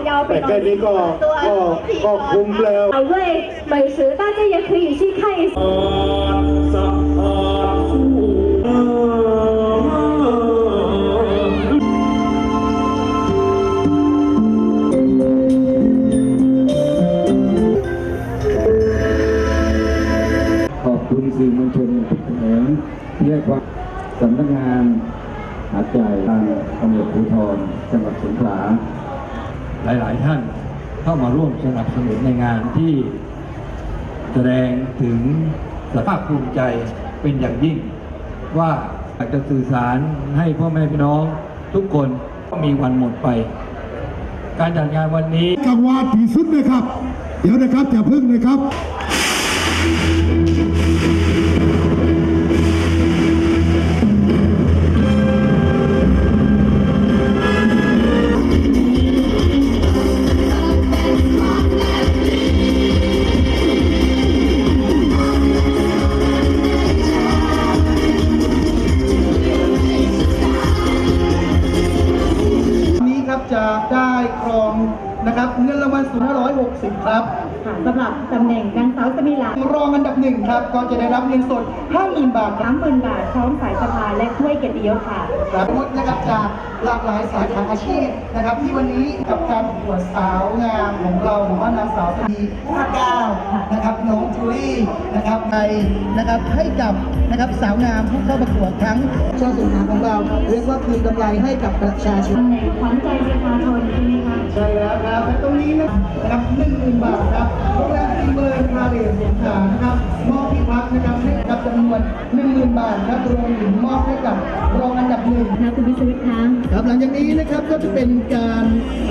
แต่แค่นี้ก็คุ้มแล้ว美味美食大家也可以去看一下ขอบคุณสื่อมวลชนทุกแขนงที่ให้ความสำนักงานหาดใหญ่ทางตำรวจภูธรจังหวัดสงขลาหลายๆท่านเข้ามาร่วมสนับสนุนในงานที่แสดงถึงสภาพภูมิใจเป็นอย่างยิ่งว่าอยากจะสื่อสารให้พ่อแม่พี่น้องทุกคนก็มีวันหมดไปการจัดงานวันนี้กังวานที่สุดนะครับ เดี๋ยวนะครับอย่าพึ่งนะครับจะได้ครองนะครับเงินรางวัลสูง560ครับสำหรับตำแหน่งนางสาวสมิลารองอันดับหนึ่งครับก็จะได้รับเงินสด 50,000 บาทครับ 30,000 บาทพร้อมสายสะพายและถ้วยเกียรติยศค่ะครับนะครับจากหลากหลายสาขาอาชีพนะครับที่วันนี้กับการประกวดสาวงามของเราหรือว่านางสาวปี59นะครับน้องจูลี่นะครับในนะครับให้กับนะครับสาวงามผู้เข้าประกวดทั้งชาติสินค้าของเราเรียกว่าคืนกำไรให้กับประชาชนตำแหน่งขวัญใจประชาชนใช่ไหมคะใช่แล้วครับและตรงนี้นะครับ 10,000 บาทครับโรงแรมซีเบิร์นพาเลสสงขลานะครับมอบที่พักนะครับให้กับจำนวน 10,000 บาทครับรวมถึงมอบให้กับรองอันดับหนึ่งนะคุณวิศวิทย์คะครับหลังจากนี้นะครับก็จะเป็นการ